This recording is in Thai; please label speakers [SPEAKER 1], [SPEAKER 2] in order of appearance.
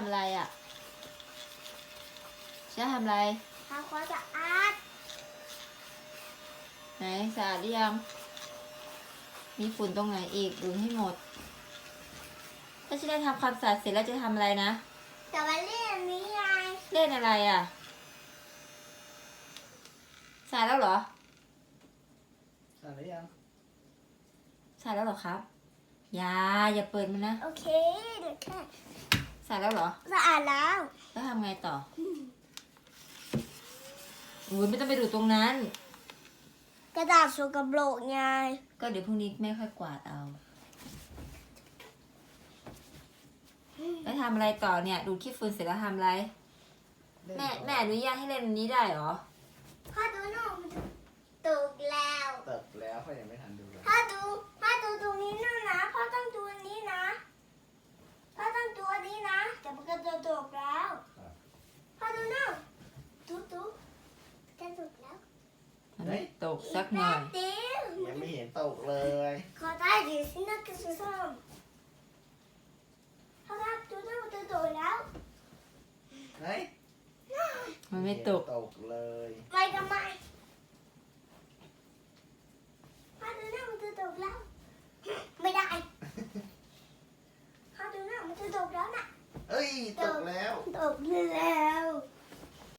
[SPEAKER 1] ำอะไรอ่ะเชื่อทำอะไร
[SPEAKER 2] ทำความสะอาด
[SPEAKER 1] ไหนสะอาดหรือยังมีฝุ่นตรงไหนอีกดูให้หมดถ้าฉันได้ทำความสะอาดเสร็จแล้วจะทำอะไรนะ
[SPEAKER 2] แต่วันเล่นนี้ไง
[SPEAKER 1] เล่นอะไรอ่ะสะอาดแล้วเหรอ
[SPEAKER 3] สะอาดหรือยัง
[SPEAKER 1] สะอาดแล้วเหรอครับอย่าเปิดมันนะ
[SPEAKER 2] โอเคเดี๋ยวแค่
[SPEAKER 1] สะอาดแล้วเหรอ
[SPEAKER 2] สะอาดแล้ว
[SPEAKER 1] แล้วทำไงต่ออุ้ยไม่ต้องไปดูตรงนั้น
[SPEAKER 2] กระดาษสกปรกไง
[SPEAKER 1] ก็เดี๋ยวพรุ่งนี้แม่ค่อยกวาดเอาแล้วทำอะไรต่อเนี่ยดูดขี้ฝุ่นเสร็จแล้วทำอะไรแม่อนุญาตให้เล่นอันนี้ได้เหรอ
[SPEAKER 2] พ่อดูหนูมันตกแล้ว
[SPEAKER 3] เติบแล้วเขายังไม่ทันดูเลย
[SPEAKER 2] พ่อดูตรงนี้นะพ่อต้องดูอันนี้นะพ่อต้องดูอันนี้นะแต่มันก็จะตกแล้วพ่อดูหนูดูจะตกแล้ว
[SPEAKER 1] มันไม่ตกสักหน่อย
[SPEAKER 2] เดี๋ยว
[SPEAKER 3] ยังไม่เห็นตกเลย
[SPEAKER 2] ขอได้ดิสินะกระสุนส้มพ่อครับดูหนูจะตกแล้ว
[SPEAKER 3] ไหน
[SPEAKER 1] มันไม่ตก
[SPEAKER 3] ตกเลย
[SPEAKER 2] ไปทำไม